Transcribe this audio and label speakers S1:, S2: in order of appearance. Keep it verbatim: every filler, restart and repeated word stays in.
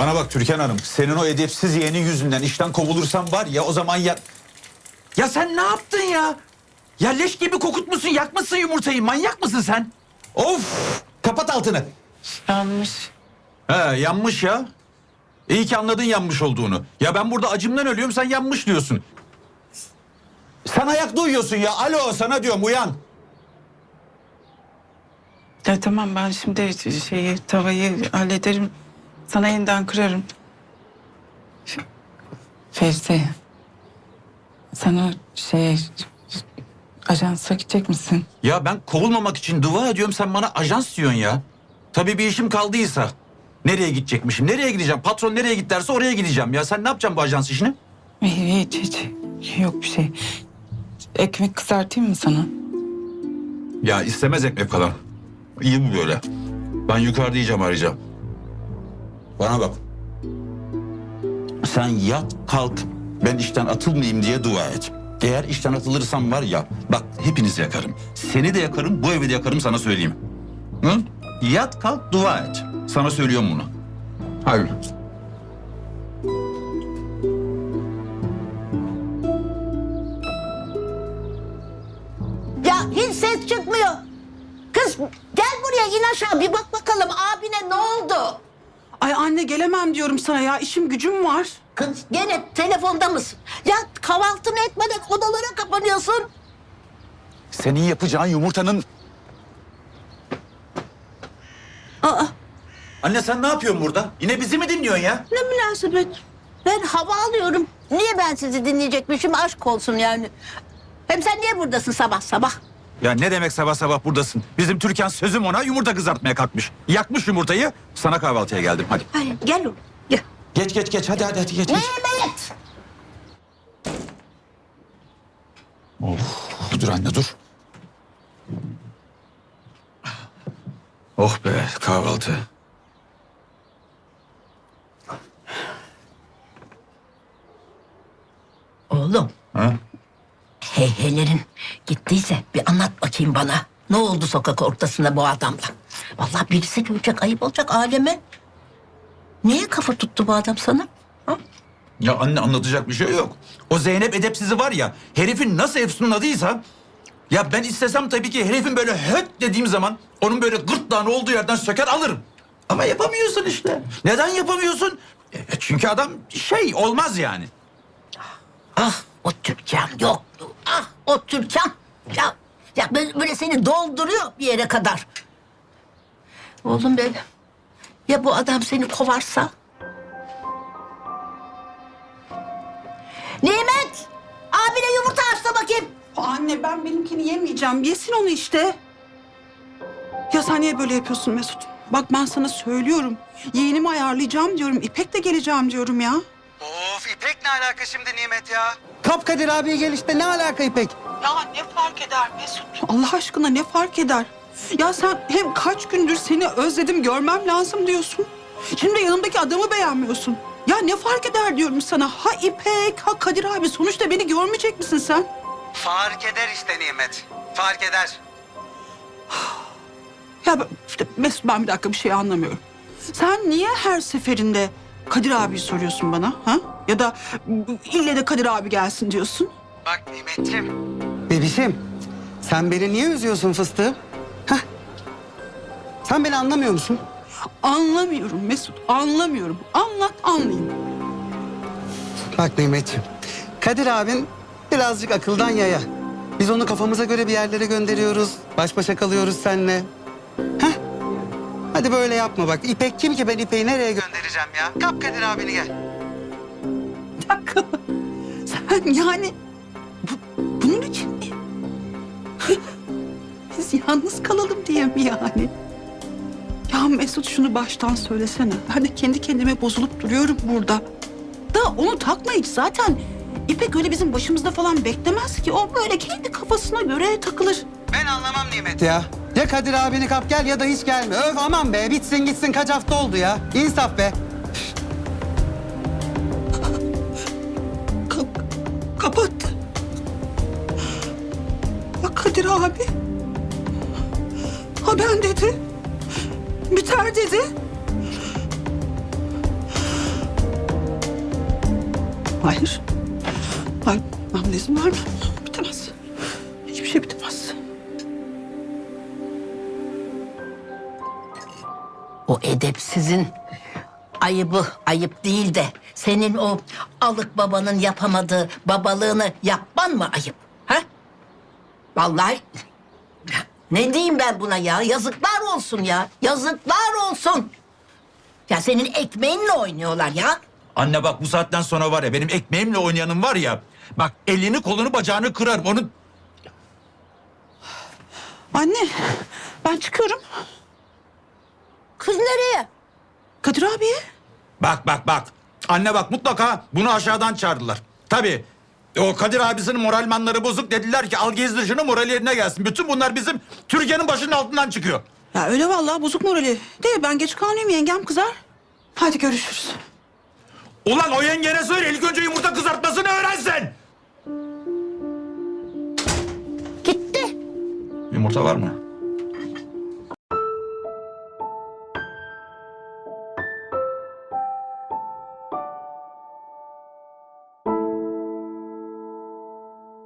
S1: Bana bak Türkan Hanım, senin o edepsiz yeğenin yüzünden işten kovulursam var ya o zaman ya...
S2: Ya sen ne yaptın ya? Ya leş gibi kokutmuşsun, yakmışsın yumurtayı. Manyak mısın sen?
S1: Of! Kapat altını.
S3: Yanmış.
S1: He yanmış ya. İyi ki anladın yanmış olduğunu. Ya ben burada acımdan ölüyorum, sen yanmış diyorsun. Sen ayakta uyuyorsun ya. Alo, sana diyorum uyan.
S3: Ya tamam, ben şimdi şeyi, tavayı hallederim. Sana yeniden kırarım. F- Fevzi. Sen o şey... Ajansa gidecek misin?
S1: Ya ben kovulmamak için dua ediyorum, sen bana ajans diyorsun ya. Tabii bir işim kaldıysa. Nereye gidecekmişim? Nereye gideceğim? Patron nereye git derse oraya gideceğim. Ya sen ne yapacaksın bu ajans işini?
S3: Hiç hiç. Yok bir şey. Ekmek kızartayım mı sana?
S1: Ya istemez ekmek falan. İyi bu böyle. Ben yukarıda yiyeceğim, arayacağım. Bana bak. Sen yat kalk, ben işten atılmayayım diye dua et. Eğer işten atılırsam var ya, bak hepinizi yakarım. Seni de yakarım, bu evi de yakarım, sana söyleyeyim. Hı? Yat kalk dua et. Sana söylüyorum bunu. Hayır.
S4: Ya hiç ses çıkmıyor. Kız gel buraya, in aşağı bir bak bakalım abine ne oldu?
S5: Ay anne, gelemem diyorum sana ya. İşim gücüm var.
S4: Kız gene telefonda mısın? Ya kahvaltını etmeden odalara kapanıyorsun.
S1: Senin yapacağın yumurtanın...
S4: Aa,
S1: Anne sen ne yapıyorsun burada? Yine bizi mi dinliyorsun ya?
S4: ne münasebet. Ben hava alıyorum. Niye ben sizi dinleyecekmişim, aşk olsun yani. Hem sen niye buradasın sabah sabah?
S1: Ya ne demek sabah sabah buradasın? Bizim Türkan sözüm ona yumurta kızartmaya kalkmış. Yakmış yumurtayı, sana kahvaltıya geldim hadi.
S4: Hayır gel oğlum gel.
S1: Geç geç geç hadi hadi hadi geç. geç.
S4: Mehmet!
S1: Of, dur anne dur. Oh be kahvaltı.
S4: Oğlum.
S1: Ha?
S4: Heyheylerin gittiyse bir anlat bakayım bana. Ne oldu sokak ortasında bu adamla? Vallahi birisi görecek, ayıp olacak aleme. Niye kafa tuttu bu adam sana? Ha?
S1: Ya anne anlatacak bir şey yok. O Zeynep edepsizi var ya, herifin nasıl efsunladıysa... Ya ben istesem tabii ki herifin böyle höt dediğim zaman... ...onun böyle gırtlağını olduğu yerden söker alırım. Ama yapamıyorsun işte. Neden yapamıyorsun? E, çünkü adam şey olmaz yani.
S4: Ah o Türkan yok. Ah o Türkan. Ya, ya böyle, böyle seni dolduruyor bir yere kadar. Oğlum benim. Ya bu adam seni kovarsa? Nimet! Abine yumurta aç da bakayım.
S5: Anne, ben benimkini yemeyeceğim. Yesin onu işte. Ya sen niye böyle yapıyorsun Mesut? Bak ben sana söylüyorum. Yeğenimi ayarlayacağım diyorum. İpek de geleceğim diyorum ya.
S6: Of İpek ne alaka şimdi Nimet ya?
S7: Kapkadir abiye gel işte, ne alaka İpek?
S5: Ya ne fark eder Mesut? Allah aşkına ne fark eder? Ya sen hem kaç gündür seni özledim, görmem lazım diyorsun. Şimdi yanımdaki adamı beğenmiyorsun. Ya ne fark eder diyorum sana. Ha İpek, ha Kadir abi. Sonuçta beni görmeyecek misin sen?
S6: Fark eder işte Nimet. Fark eder.
S5: Ya ben- işte Mesut, ben bir dakika bir şey anlamıyorum. Sen niye her seferinde Kadir abi soruyorsun bana? Ha? Ya da ille de Kadir abi gelsin diyorsun.
S6: Bak Nimetciğim.
S7: Bebişim, sen beni niye üzüyorsun fıstığım? Hah? Sen beni anlamıyor musun?
S5: Anlamıyorum Mesut, anlamıyorum. Anlat, anlayayım.
S7: Bak Nimetciğim, Kadir abin birazcık akıldan yaya. Biz onu kafamıza göre bir yerlere gönderiyoruz. Baş başa kalıyoruz seninle. Hah? Hadi böyle yapma bak. İpek kim ki, ben İpek'i nereye göndereceğim ya? Kap Kadir abini gel.
S5: Bir dakika. Sen yani bu, bunun için mi? Biz yalnız kalalım diye mi yani? Ya Mesut, şunu baştan söylesene. Ben de kendi kendime bozulup duruyorum burada. Da onu takma hiç. Zaten İpek öyle bizim başımızda falan beklemez ki. O böyle kendi kafasına göre takılır.
S6: Ben anlamam Nimet.
S7: Ya ya Kadir abini kap gel ya da hiç gelme. Öf aman be, bitsin gitsin, kaç hafta oldu ya. İnsaf be.
S5: Ka- kapattı. Ya Kadir abi. Ha ben dedi. Biter dedi. Hayır. Hayır, ben buna izin vermem. Bitemez. Hiçbir şey bitemez.
S4: O edepsizin ayıbı ayıp değil de senin o alık babanın yapamadığı babalığını yapman mı ayıp? Ha? Vallahi ne diyeyim ben buna ya? Yazıklar olsun ya. Yazıklar olsun. Ya senin ekmeğinle oynuyorlar ya.
S1: Anne bak bu saatten sonra var ya benim ekmeğimle oynayanın var ya. Bak elini kolunu bacağını kırarım onu.
S5: Anne, ben çıkıyorum.
S4: Kız nereye?
S5: Kadir abiye.
S1: Bak bak bak. Anne bak mutlaka bunu aşağıdan çağırdılar. Tabii. O Kadir abisinin moralmanları bozuk dediler ki al gezdir şunu moral yerine gelsin. Bütün bunlar bizim Türkiye'nin başının altından çıkıyor.
S5: Ya öyle vallahi bozuk morali. De ben geç kalmayayım, yengem kızar. Hadi görüşürüz.
S1: Ulan o yengene söyle ilk önce yumurta kızartmasını öğrensin.
S4: Gitti.
S1: Yumurta var mı?